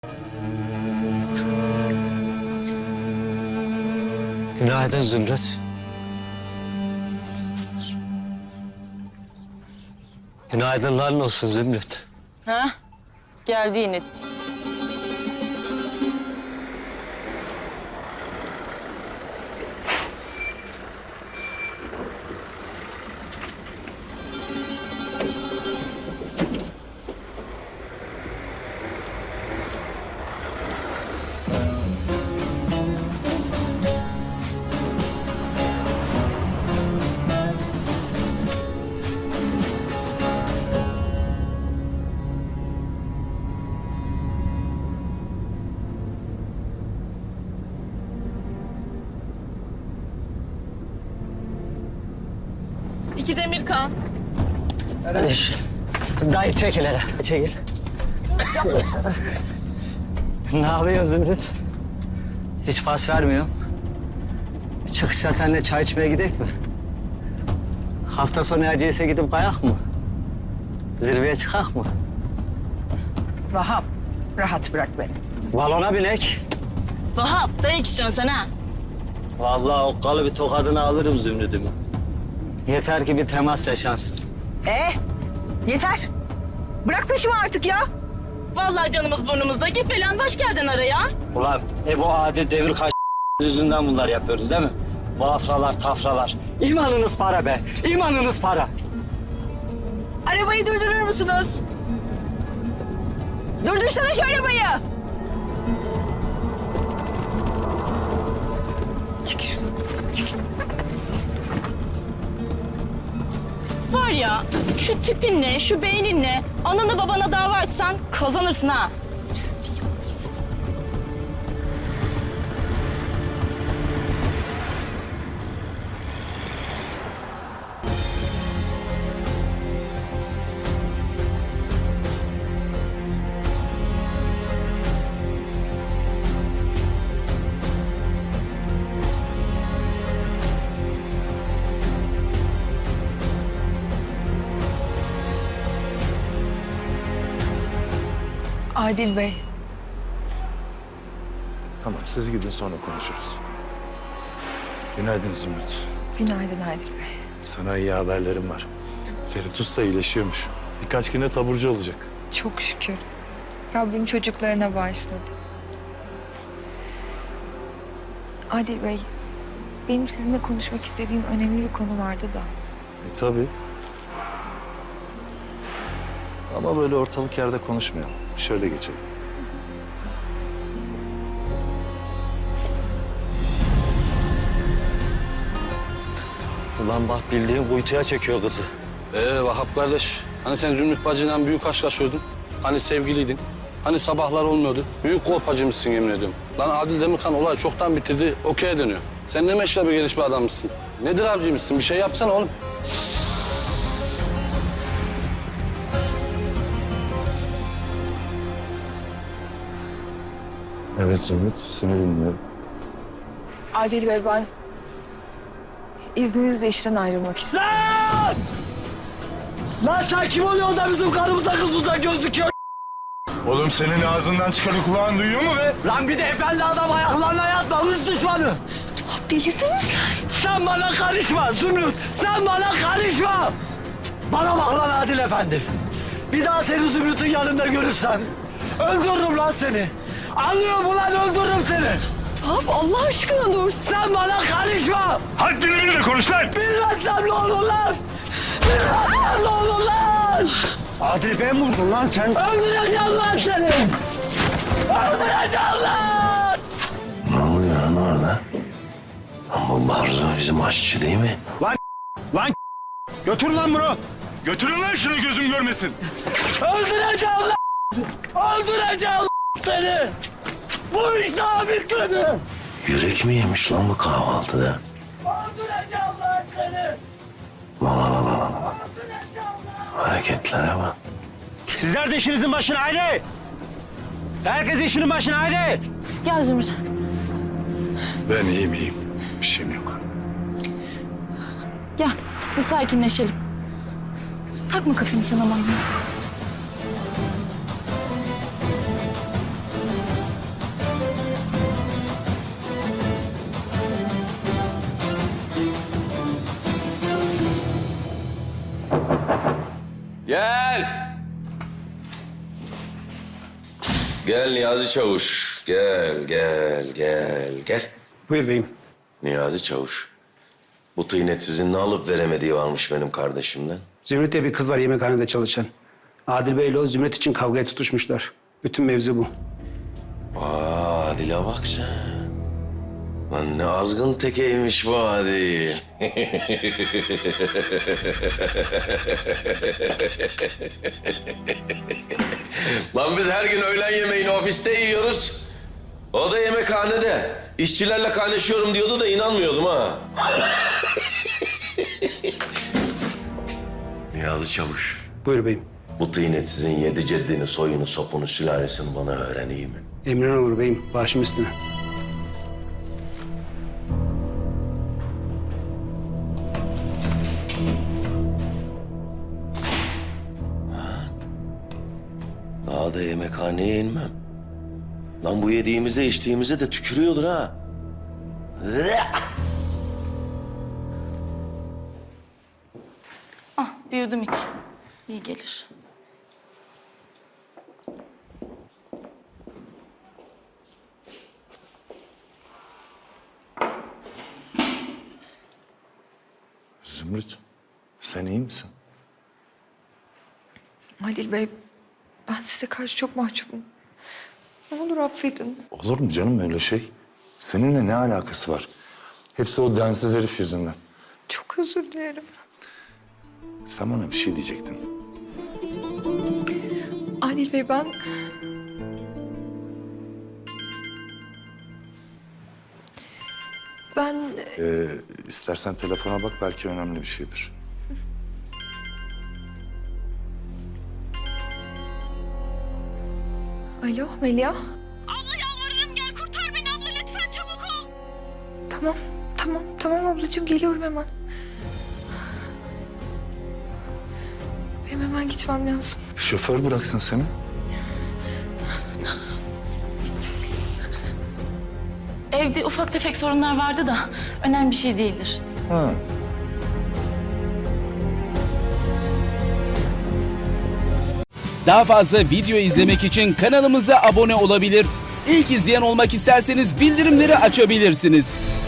Günaydın Zümrüt. Günaydınların olsun Zümrüt. Ha? Geldi yine. İki Demirkan. Dayı çekil hele. Çekil. Ne yapıyorsun Zümrüt? Hiç pas vermiyorsun. Çıkışta seninle çay içmeye gidelim mi? Hafta sonu Erciyes'e gidip kayak mı? Zirveye çıkak mı? Vahap, rahat bırak beni. Balona binek. Vahap, dayak istiyorsun sen ha? Vallahi okkalı bir tokadını alırım Zümrüt'ümü. Yeter ki bir temas yaşansın. Yeter. Bırak peşimi artık ya. Vallahi canımız burnumuzda. Git belan baş geldin araya. Ulan bu adi devir kaç yüzünden bunlar yapıyoruz değil mi? Bu afralar, tafralar. İmanınız para be, imanınız para. Arabayı durdurur musunuz? Durdursana şu arabayı. Çekil şunu. Çekil. Var ya, şu tipinle, şu beyninle ananı babana dava açsan kazanırsın ha. Adil Bey. Tamam, siz gidin sonra konuşuruz. Günaydın Zümrüt. Günaydın Adil Bey. Sana iyi haberlerim var. Ferit Usta iyileşiyormuş. Birkaç güne taburcu olacak. Çok şükür. Rabbim çocuklarına bağışladı. Adil Bey, benim sizinle konuşmak istediğim önemli bir konu vardı da. Tabii. Ama böyle ortalık yerde konuşmayalım. Şöyle geçelim. Ulan bak bildiğin kuytuya çekiyor kızı. Vahap kardeş, hani sen Zümrüt bacıyla büyük aşk yaşıyordun? Hani sevgiliydin? Hani sabahlar olmuyordu? Büyük kolpacıymışsın yemin ediyorum. Lan Adil Demirkan olay çoktan bitirdi, okey'e dönüyor. Sen ne meşrebi geliş bir adammışsın? Nedir avcıymışsın? Bir şey yapsana oğlum. Evet Zümrüt, seni dinliyorum. Adil Bey, ben izninizle işten ayrılmak istiyorum. Lan! Lan sen kim oluyorsun da bizim karımıza kızımıza gözüküyor? Oğlum senin ağzından çıkanı kulağın duyuyor mu be? Lan bir de efendi adam ayaklarına yatma, hırs düşmanı. Delirdiniz sen. Sen bana karışma Zümrüt, sen bana karışma. Bana bak lan Adil Efendi. Bir daha seni Zümrüt'ün yanında görürsem öldürürüm lan seni. Anlıyor musun lan, öldürürüm seni. Vahap, Allah aşkına dur. Sen bana karışma. Haddini bil de konuş lan! Bilmezsem ne olur lan? Bilmezsem ne olur lan? Adil ben vurdun lan sen. Öldüreceğim lan seni. Öldüreceğim lan. Ne oluyor lan orada? Ama Barzo bizim aşçı değil mi? Lan götür lan bunu. Götürün lan şunu, gözüm görmesin. Öldüreceğim lan. Öldüreceğim lan seni. Bu iş daha bitmedi. Yürek mi yemiş lan bu kahvaltıda? Öldüreceğim lan seni. Bak. Hareketlere bak. Sizler de işinizin başına haydi. Herkes işinin başına haydi. Gel Zümrüt. Ben iyiyim. Bir şeyim yok. Gel, bir sakinleşelim. Takma kafanı sen aman. Gel. Gel Niyazi Çavuş. Gel. Buyur beyim. Niyazi Çavuş. Bu tıynet sizin ne alıp veremediği varmış benim kardeşimden. Zümrüt diye bir kız var yemekhanede çalışan. Adil Bey ile o Zümrüt için kavgaya tutuşmuşlar. Bütün mevzu bu. Adil'e bak sen. Lan ne azgın tekeymiş bu Adil. Lan biz her gün öğlen yemeğini ofiste yiyoruz. O da yemekhanede. İşçilerle kaynaşıyorum diyordu da inanmıyordum ha. Niyazi Çavuş. Buyur beyim. Bu tıynet sizin 7 ceddini, soyunu, sopunu, sülalesini bana öğreneyim mi? Emrin olur beyim. Başım üstüne. Daha da yemekhaneye inmem. Lan bu yediğimize içtiğimize de tükürüyordur ha. Ah, bir yudum iç. İyi gelir. Zümrüt, sen iyi misin? Adil Bey, ben size karşı çok mahcubum. Ne olur affedin. Olur mu canım öyle şey? Seninle ne alakası var? Hepsi o densiz herif yüzünden. Çok özür dilerim. Sen bana bir şey diyecektin. Adil Bey, ben... Ben... İstersen telefona bak, belki önemli bir şeydir. Alo Melia. Abla yalvarırım gel kurtar beni abla lütfen çabuk ol. Tamam ablacığım, geliyorum hemen. Benim hemen gitmem lazım. Şoför bıraksın seni. Evde ufak tefek sorunlar vardı da önemli bir şey değildir. Ha. Daha fazla video izlemek için kanalımıza abone olabilir. İlk izleyen olmak isterseniz bildirimleri açabilirsiniz.